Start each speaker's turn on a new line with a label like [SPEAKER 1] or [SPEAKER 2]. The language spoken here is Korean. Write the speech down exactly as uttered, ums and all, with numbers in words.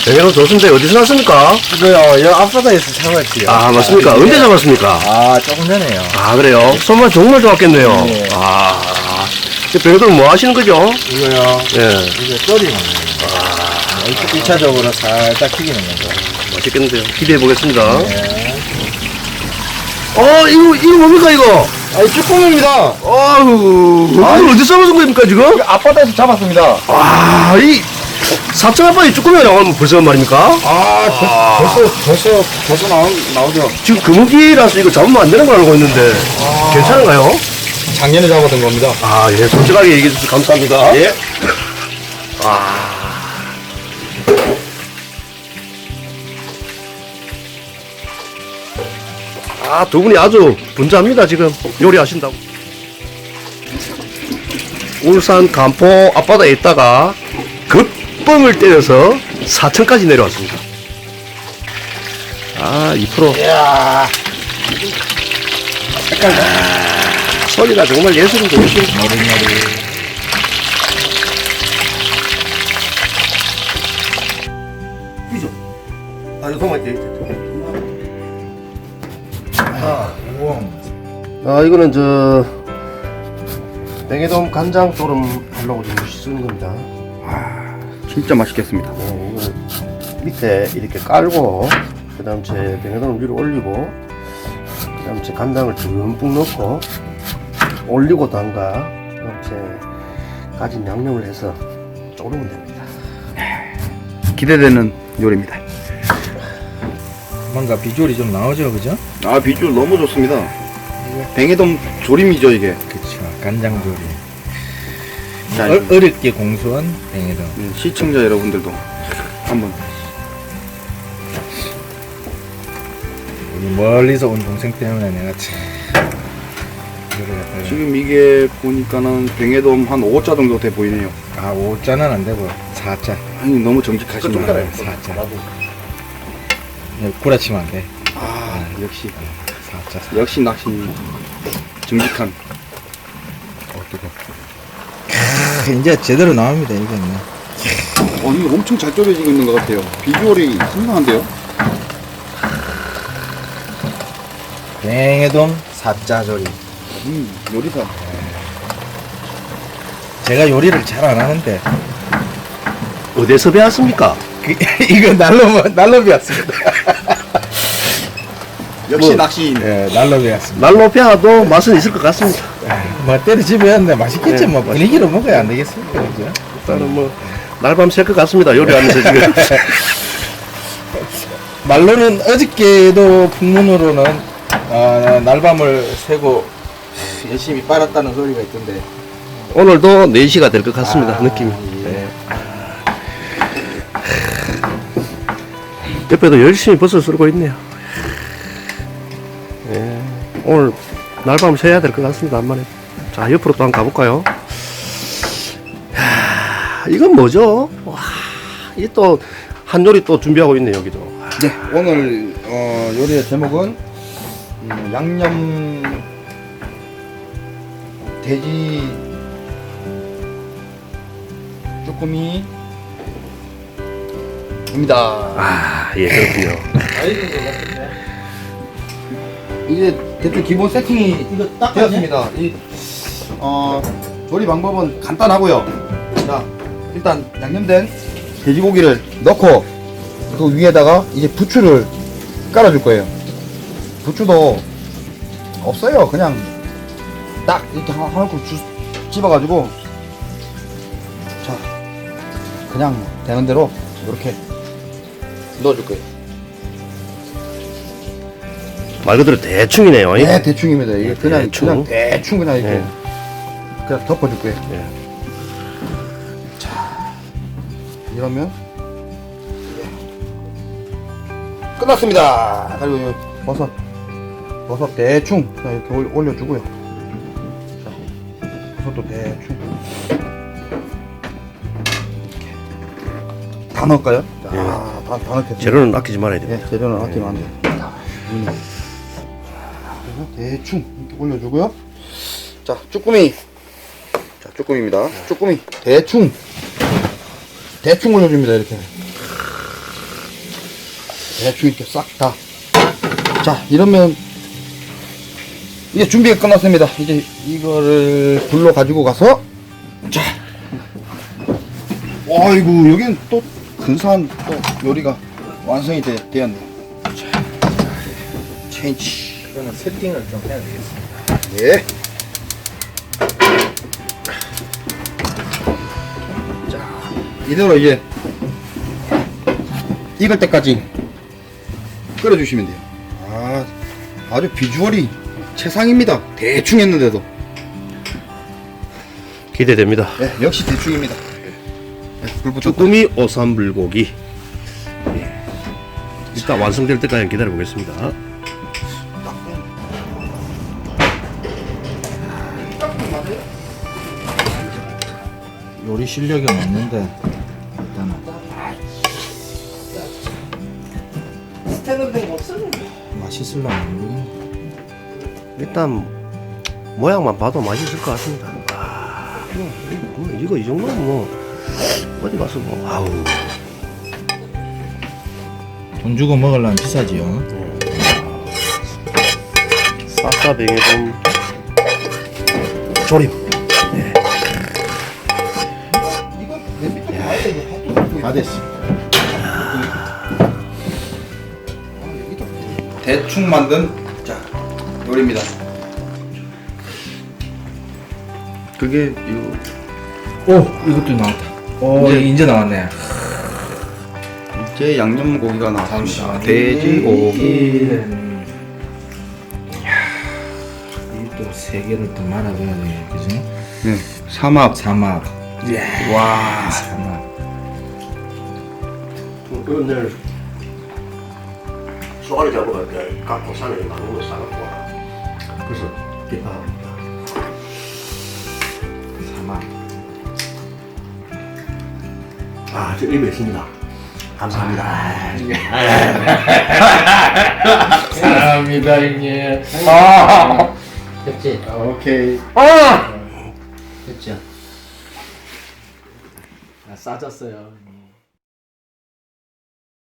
[SPEAKER 1] 뱅에돔 좋습니다. 어디서 났습니까?
[SPEAKER 2] 이거요, 여 앞바다에서 잡았지요.
[SPEAKER 1] 아, 맞습니까?
[SPEAKER 2] 네.
[SPEAKER 1] 언제 잡았습니까?
[SPEAKER 2] 아, 조금 전에요.
[SPEAKER 1] 아, 그래요? 손맛 정말 좋았겠네요.
[SPEAKER 2] 네.
[SPEAKER 1] 아, 뱅에돔 뭐 하시는 거죠?
[SPEAKER 2] 이거요,
[SPEAKER 1] 예.
[SPEAKER 2] 이거 끓이는 거예요. 아, 일 차적으로 살짝 튀기는 거죠.
[SPEAKER 1] 맛있겠는데요. 기대해 보겠습니다.
[SPEAKER 2] 네.
[SPEAKER 1] 어, 이거, 이거 뭡니까, 이거?
[SPEAKER 2] 아니, 쭈꾸미입니다.
[SPEAKER 1] 아유, 이걸 어디서 잡아준 겁니까, 지금?
[SPEAKER 2] 앞바다에서 잡았습니다.
[SPEAKER 1] 아, 이, 사천 아빠이 쭈꾸미가 나오면 벌써 말입니까?
[SPEAKER 2] 아, 벌, 벌써, 벌써, 벌써 나오, 나오죠.
[SPEAKER 1] 지금 금은기라서 이거 잡으면 안 되는 걸 알고 있는데, 괜찮은가요?
[SPEAKER 2] 작년에 잡았던 겁니다.
[SPEAKER 1] 아, 예, 솔직하게 얘기해 주셔서 감사합니다.
[SPEAKER 2] 예.
[SPEAKER 1] 아. 아, 두 분이 아주 분주합니다, 지금. 요리하신다고. 울산 간포 앞바다에 있다가 급뻥을 때려서 사천까지 내려왔습니다. 아, 이 퍼센트.
[SPEAKER 2] 이야.
[SPEAKER 1] 소리가 정말 예술인데, 예술.
[SPEAKER 2] 머리머리.
[SPEAKER 1] 이죠. 아, 이거 정말 돼.
[SPEAKER 2] 아, 우와.
[SPEAKER 1] 아, 이거는 저 뱅에돔 간장 조름 하려고 지금 쓰는 겁니다.
[SPEAKER 3] 진짜 맛있겠습니다.
[SPEAKER 1] 네, 이거는 밑에 이렇게 깔고 그다음 제 뱅에돔을 위로 올리고 그다음 제 간장을 듬뿍 넣고 올리고 담가 그다음 제 가진 양념을 해서 조르면 됩니다.
[SPEAKER 3] 기대되는 요리입니다.
[SPEAKER 2] 뭔가 비주얼이 좀 나오죠, 그죠?
[SPEAKER 3] 아, 비주얼 너무 좋습니다. 뱅에돔 조림이죠, 이게.
[SPEAKER 2] 그쵸, 간장조림.
[SPEAKER 3] 자,
[SPEAKER 2] 어, 어렵게 공수한 뱅에돔.
[SPEAKER 3] 음, 시청자 여러분들도 한번.
[SPEAKER 2] 우리 멀리서 온 동생 때문에 내가 참 이거를 갖다가
[SPEAKER 3] 지금 이게 보니까는 뱅에돔 한 오 자 정도 돼 보이네요.
[SPEAKER 2] 아 오 자는 안 되고 사 자.
[SPEAKER 3] 아니, 너무 정직하시네요.
[SPEAKER 2] 사 자. 구라치면 안 돼.
[SPEAKER 3] 아, 역시.
[SPEAKER 2] 사 자.
[SPEAKER 3] 역시 낚시 정직한.
[SPEAKER 2] 어 뜨거. 이제 제대로 나옵니다 이거는.
[SPEAKER 3] 어, 이거 엄청 잘 졸여지고 있는 것 같아요. 비주얼이 상당한데요?
[SPEAKER 2] 뱅에돔 사 자 조림.
[SPEAKER 3] 음, 요리사.
[SPEAKER 2] 제가 요리를 잘 안 하는데
[SPEAKER 1] 어디서 배웠습니까?
[SPEAKER 2] 그, 이거 날로 날로 배웠습니다.
[SPEAKER 3] 역시
[SPEAKER 1] 뭐,
[SPEAKER 3] 낚시인.
[SPEAKER 2] 예, 날로 배웠습니다.
[SPEAKER 1] 날로 배워도 맛은 있을 것 같습니다.
[SPEAKER 2] 뭐 때려지 배웠는데 맛있겠지
[SPEAKER 1] 네,
[SPEAKER 2] 뭐 분위기로 먹어야 안 되겠습니까, 그죠?
[SPEAKER 1] 일단은 뭐 날밤 샐 것 같습니다. 요리하면서 지금.
[SPEAKER 2] 말로는 어저께도 풍문으로는 아, 날밤을 새고 열심히 빨았다는 소리가 있던데.
[SPEAKER 1] 오늘도 네 시가 될 것 같습니다.
[SPEAKER 2] 아,
[SPEAKER 1] 느낌이.
[SPEAKER 2] 예.
[SPEAKER 1] 네. 옆에도 열심히 버섯 썰고 있네요. 예. 오늘 날밤 새야 될 것 같습니다. 한만에. 자, 옆으로 또 한번 가볼까요? 야, 이건 뭐죠? 와, 이 또 한 요리 또 준비하고 있네요. 여기도.
[SPEAKER 2] 네, 오늘 어, 요리의 제목은 음, 양념 돼지 쭈꾸미입니다.
[SPEAKER 1] 아, 예, 그렇군요.
[SPEAKER 2] 이제 대충 기본 세팅이 이거 딱 되었습니다. 이 어, 조리 방법은 간단하고요. 자, 일단 양념된 돼지고기를 넣고 그 위에다가 이제 부추를 깔아줄 거예요. 부추도 없어요. 그냥 딱 이렇게 한, 한 움큼 주, 집어가지고 자 그냥 되는 대로 이렇게 넣어줄 거예요.
[SPEAKER 1] 말 그대로 대충이네요.
[SPEAKER 2] 네, 대충입니다. 이게 그냥
[SPEAKER 1] 대충.
[SPEAKER 2] 그냥 대충 그냥 이렇게
[SPEAKER 1] 네.
[SPEAKER 2] 그냥 덮어줄 거예요.
[SPEAKER 1] 예.
[SPEAKER 2] 자, 이러면 끝났습니다. 그리고 이 버섯, 버섯 대충 그냥 이렇게 올- 올려주고요. 자, 버섯도 대충 이렇게 다 넣을까요? 자,
[SPEAKER 1] 예.
[SPEAKER 2] 다, 다 넣겠습니다.
[SPEAKER 1] 재료는 아끼지 말아야 돼요.
[SPEAKER 2] 네, 재료는 아끼면 안 돼요. 자, 음. 대충 이렇게 올려주고요. 자, 쭈꾸미. 자, 쭈꾸미입니다. 쭈꾸미 대충 대충 올려줍니다. 이렇게 대충 이렇게 싹 다. 자, 이러면 이제 준비가 끝났습니다. 이제 이거를 불로 가지고 가서, 자, 아이고, 여기는 또 근사한 또 요리가 완성이 되, 되었네요. 자, 체인지.
[SPEAKER 1] 이거는 세팅을 좀 해야 되겠습니다.
[SPEAKER 2] 네. 자, 이대로 이제 익을 때까지 끓여주시면 돼요. 아, 아주 비주얼이 최상입니다. 대충 했는데도.
[SPEAKER 1] 기대됩니다.
[SPEAKER 2] 네, 역시 대충입니다. 네, 불부터
[SPEAKER 1] 쭈꾸미 오삼불고기. 예. 일단 완성될 때까지 기다려 보겠습니다.
[SPEAKER 4] 요리 실력이 없는데 일단은
[SPEAKER 1] 스탠으로 된 거 없어요?
[SPEAKER 4] 맛있을라면 모르겠네.
[SPEAKER 1] 일단 모양만 봐도 맛있을 것 같습니다. 아, 뭐, 뭐, 이거 이 정도면 뭐 어디 가서 뭐 아우.
[SPEAKER 4] 돈 주고 먹으려면 비싸지요.
[SPEAKER 1] 싸싸뱅에돔 조림.
[SPEAKER 2] 다 됐어. 대충 만든 자 요리입니다.
[SPEAKER 1] 그게 이거
[SPEAKER 4] 오, 이것도 나왔다. 오,
[SPEAKER 2] 네.
[SPEAKER 4] 이제 나왔네.
[SPEAKER 2] 이제 양념고기가 나왔습니다.
[SPEAKER 4] 잠시만요.
[SPEAKER 2] 돼지고기.
[SPEAKER 4] 이또 세 개를 더 말아줘야 돼, 그지?
[SPEAKER 2] 네, 삼합.
[SPEAKER 4] 삼합.
[SPEAKER 2] 와.
[SPEAKER 4] 삼합.
[SPEAKER 1] 오늘 쏘가리 잡으러 갈때 갖고 산에 많은 거 싸갖고 와. 그래서 기파합니다.
[SPEAKER 4] 삼합.
[SPEAKER 1] 아, 저 입에 있습니다. 감사합니다.
[SPEAKER 4] 사랑합니다, 형님.
[SPEAKER 5] 됐지?
[SPEAKER 2] 오케이.
[SPEAKER 5] 됐죠? 아, 싸졌어요.